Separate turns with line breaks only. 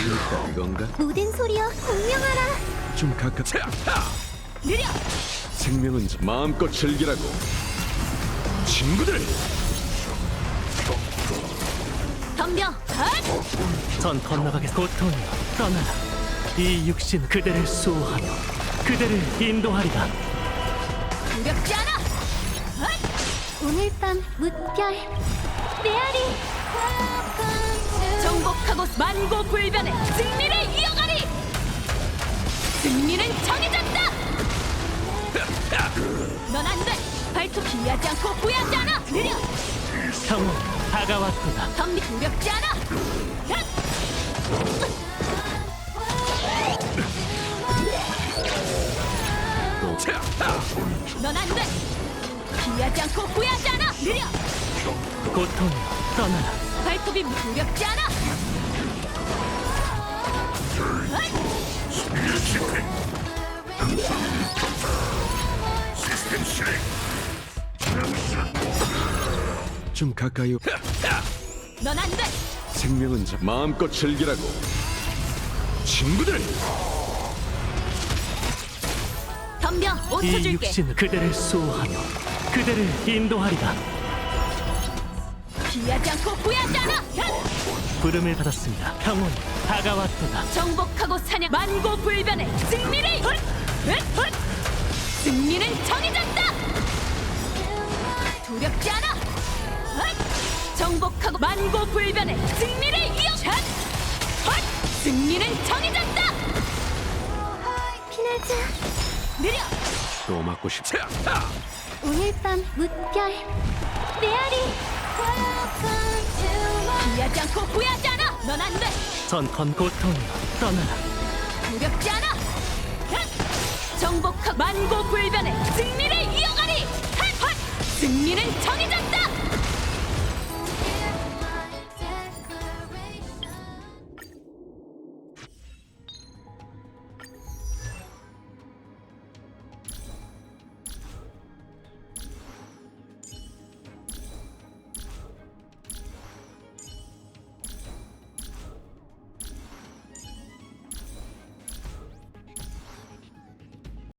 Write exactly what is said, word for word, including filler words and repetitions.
그러니까 이건가?
모든 소리여 공명하라.
좀 가깝.
느려.
생명은 마음껏 즐기라고. 친구들.
덤벼. 헛!
전 건너가겠. 고통이여 떠나라. 이 육신 그대를 수호하며 그대를 인도하리라.
두렵지 않아. 헛! 오늘 밤 무별 메아리. 정복하고 만고불변의 승리를 이어가리. 승리는 정해졌다. 넌 안 돼. 발톱 피하지 않고 후회하지 않아. 느려.
형은 다가왔도다.
덤비 두렵지 않아. 헛! 넌 안 돼. 피하지 않고 후회하지 않아. 느려.
고통이여 떠나라.
발톱이 두렵지 않아.
좀 가까이.
넌 안 돼.
생명은 자- 마음껏 즐기라고. 친구들.
덤벼. 오 초
이
줄게.
육신 그대를 수호하며 그대를 인도하리라.
피하지 않고 후회하지 않아. 헛!
부름을 받았습니다. 평온이 다가왔도다.
정복하고 사냥 만고불변의 승리를. 헛! 헛! 헛! 승리는 정해졌다. 두렵지 않아. 헛! 정복하고 만고불변의 승리를 이어. 헛! 헛! 승리는 정해졌다. 피나자. 느려.
또 맞고 싶어.
오늘 밤 무별 메아리. 피하지 않고 후회하지 않아. 넌 안 돼.
전건 고통이여 떠나라.
두렵지 않아. 헛! 정복하고 만고불변의 승리를 이어가리. 헛! 헛! 승리는 정해졌다.